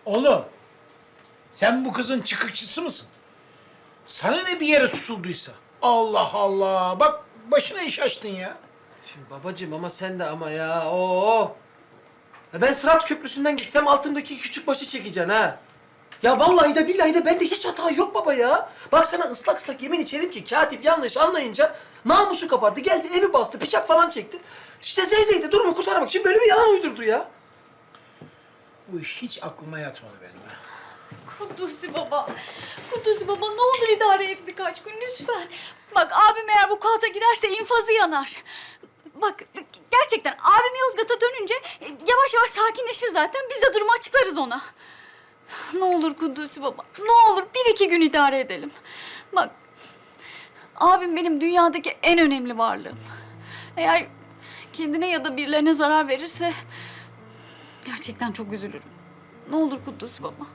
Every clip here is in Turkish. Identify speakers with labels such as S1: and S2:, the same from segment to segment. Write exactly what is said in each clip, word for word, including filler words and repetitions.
S1: Oğlum, sen bu kızın çıkıkçısı mısın? Sana ne bir yere tutulduysa? Allah Allah, bak başına iş açtın ya.
S2: Şimdi babacığım ama sen de ama ya. Oo. Ya ben Sırat Köprüsü'nden gitsem altındaki küçük başı çekeceksin ha. Ya vallahi de billahi de bende hiç hata yok baba ya. Bak sana ıslak ıslak yemin içerim ki katip yanlış anlayınca namusu kapardı. Geldi evi bastı, bıçak falan çekti. İşte Zeyzey de durumu kurtarmak için böyle bir yalan uydurdu ya.
S1: Bu iş hiç aklıma yatmadı benim ha.
S3: Kudüs'ü baba, Kudüs'ü baba ne olur idare et birkaç gün lütfen. Bak abim eğer bu vukuata girerse infazı yanar. Bak gerçekten abim Yozgat'a dönünce e, yavaş yavaş sakinleşir zaten. Biz de durumu açıklarız ona. Ne olur Kudüs'ü baba, ne olur bir iki gün idare edelim. Bak abim benim dünyadaki en önemli varlığım. Eğer kendine ya da birilerine zarar verirse gerçekten çok üzülürüm. Ne olur Kudüs'ü baba.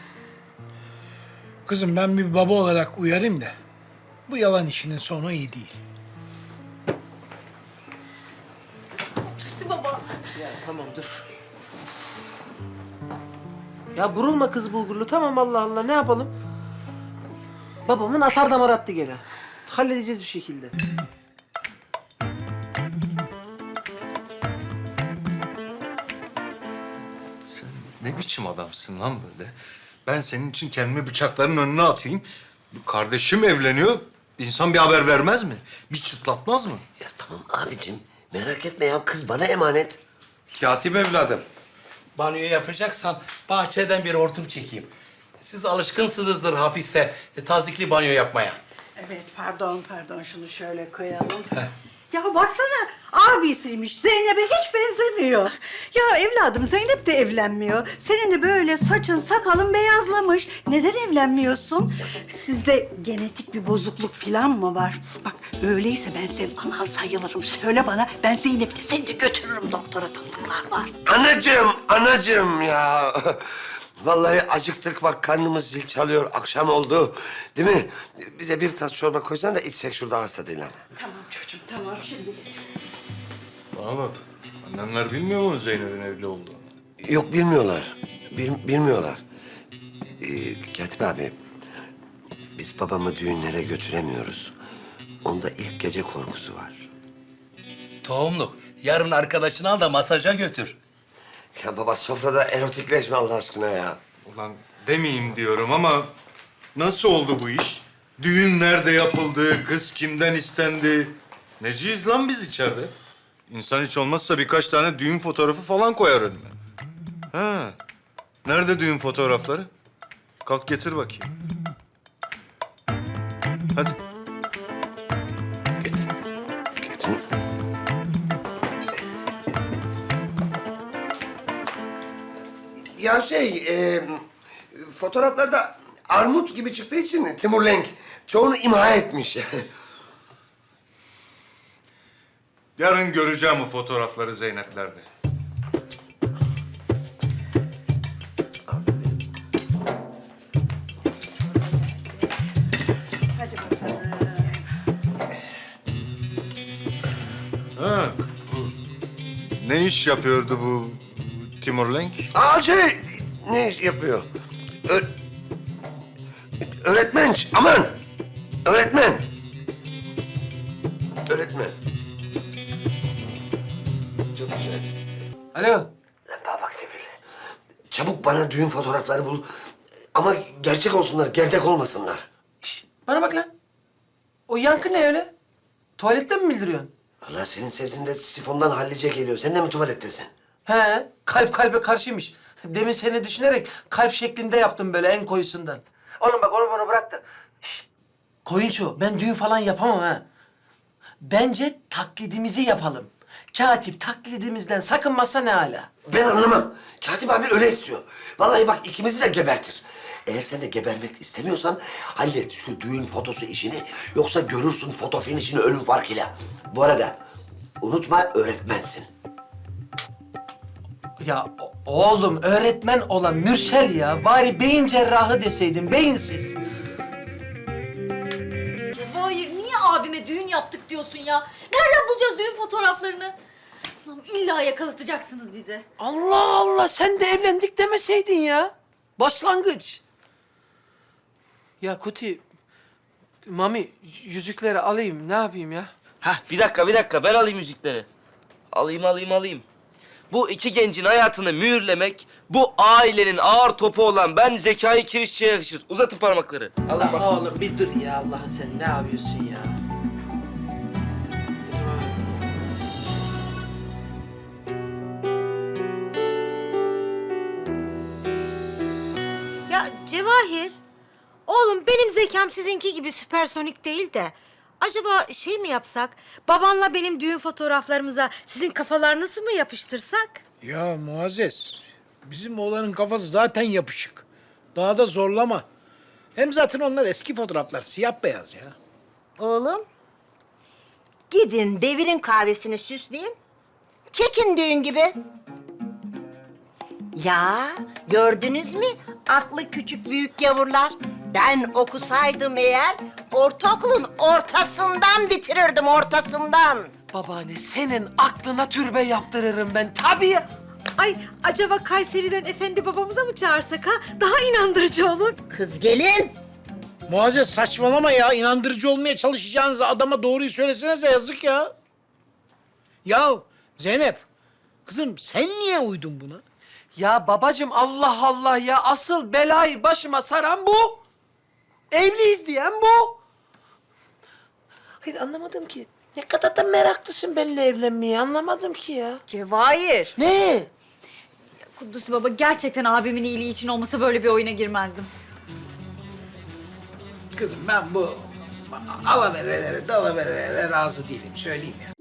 S1: Kızım ben bir baba olarak uyarayım da bu yalan işinin sonu iyi değil.
S3: Kudüs'ü baba.
S2: Ya tamam dur. Ya burulma kız bulgurlu tamam Allah Allah ne yapalım? Babamın atar damar attı gene. Halledeceğiz bir şekilde.
S4: Sen ne biçim adamsın lan böyle? Ben senin için kendimi bıçakların önüne atayım. Kardeşim evleniyor. İnsan bir haber vermez mi? Bir çıtlatmaz mı?
S5: Ya tamam abicim, merak etme ya. Kız bana emanet.
S6: Katip evladım, banyo yapacaksan bahçeden bir hortum çekeyim. Siz alışkınsınızdır hapiste e, tazikli banyo yapmaya.
S7: Evet, pardon, pardon. Şunu şöyle koyalım. Ya baksana, abisiymiş. Zeynep'e hiç benzemiyor. Ya evladım, Zeynep de evlenmiyor. Senin de böyle saçın, sakalın beyazlamış. Neden evlenmiyorsun? Sizde genetik bir bozukluk falan mı var? Bak, öyleyse ben senin anan sayılırım. Söyle bana, ben Zeynep'le seni de götürürüm doktora, tanıdıklar var.
S5: Anacığım, anacığım ya. Vallahi acıktık bak, karnımız zil çalıyor. Akşam oldu. Değil mi? Bize bir tas çorba koysan da içsek şurada, hasta değil ama.
S7: Tamam çocuğum, tamam. Şimdi
S4: Bana bak. Annenler bilmiyor mu Zeynep'in evli olduğunu?
S5: Yok, bilmiyorlar. Bil- bilmiyorlar. Ee, Katip abi, biz babamı düğünlere götüremiyoruz. Onda ilk gece korkusu var.
S6: Tohumluk, yarın arkadaşını al da masaja götür.
S5: Ya baba, sofrada erotikleşme Allah aşkına ya.
S4: Ulan demeyeyim diyorum ama nasıl oldu bu iş? Düğün nerede yapıldı? Kız kimden istendi? Neciyiz lan biz içeride? İnsan hiç olmazsa birkaç tane düğün fotoğrafı falan koyar önüme. Ha. Nerede düğün fotoğrafları? Kalk getir bakayım. Hadi.
S5: Getir. Getir. Ya şey, e, fotoğraflarda armut gibi çıktığı için Timur Lenk çoğunu imha etmiş.
S4: Yarın göreceğim o fotoğrafları Zeynep'lerde.
S7: hadi bakalım.
S4: Ha, bu ne iş yapıyordu bu Timur Lenk?
S5: Aa şey, ne iş yapıyor? Ö öğretmen, aman! Öğretmen. Öğretmen. Çok güzel.
S2: Alo.
S5: Lan bana bak Sefil. Çabuk bana düğün fotoğrafları bul. Ama gerçek olsunlar, gerdek olmasınlar.
S2: Şş, bana bak lan. O yankı ne öyle? Tuvaletten mi bildiriyorsun?
S5: Vallahi senin sesinde sifondan hallice geliyor. Sen de mi tuvalettesin?
S2: He, kalp kalbe karşıymış. Demin seni düşünerek kalp şeklinde yaptım böyle en koyusundan. Oğlum bak onu bana bırak da. Şşt. Koyunço, ben düğün falan yapamam ha. Bence taklidimizi yapalım. Katip taklidimizden sakınmazsa ne hala.
S5: Ben anlamam. Katip abi öyle istiyor. Vallahi bak ikimizi de gebertir. Eğer sen de gebermek istemiyorsan hallet şu düğün fotosu işini. Yoksa görürsün foto finişini ölüm farkıyla. Bu arada unutma, öğretmensin.
S2: Ya o- oğlum öğretmen olan Mürsel ya. Bari beyin cerrahı deseydin, beyinsiz.
S3: Hayır, niye abime düğün yaptık diyorsun ya? Nereden bulacağız düğün fotoğraflarını? Lan illa yakalatacaksınız bizi.
S2: Allah Allah, sen de evlendik demeseydin ya. Başlangıç. Ya Kuti, Mami yüzükleri alayım ne yapayım ya?
S8: Hah bir dakika bir dakika ben alayım müzikleri. Alayım alayım alayım. Bu iki gencin hayatını mühürlemek bu ailenin ağır topu olan ben Zekai Kirişçi'ye yakışır. Uzatın parmakları. Alın bak.
S2: Oğlum bir dur ya Allah'ı sen ne yapıyorsun ya?
S9: Ya Cevahir, oğlum benim zekam sizinki gibi süpersonik değil de... Acaba şey mi yapsak, babanla benim düğün fotoğraflarımıza sizin kafalarınızı mı yapıştırsak?
S1: Ya Muazzez, bizim oğlanın kafası zaten yapışık. Daha da zorlama. Hem zaten onlar eski fotoğraflar, siyah beyaz ya.
S9: Oğlum, gidin devirin kahvesini süsleyin, çekin düğün gibi. Ya gördünüz mü aklı küçük büyük yavrular? Ben okusaydım eğer ortaokulun ortasından bitirirdim, ortasından.
S2: Babaanne senin aklına türbe yaptırırım ben tabii ya.
S7: Ay acaba Kayseri'den efendi babamıza mı çağırsak ha? Daha inandırıcı olur.
S9: Kız gelin.
S1: Muazzez saçmalama ya. İnandırıcı olmaya çalışacağınızda adama doğruyu söylesenize, yazık ya. Ya Zeynep, kızım sen niye uydun buna?
S2: Ya babacığım Allah Allah ya asıl belayı başıma saran bu. Evliyiz diyen bu. Hayır anlamadım ki. Ne kadar da meraklısın benimle evlenmeye anlamadım ki ya.
S9: Cevahir.
S2: Ne?
S3: Kudüs baba gerçekten abimin iyiliği için olmasa böyle bir oyuna girmezdim.
S1: Kızım ben bu alaverelere, dalaverelere razı değilim, söyleyeyim ya.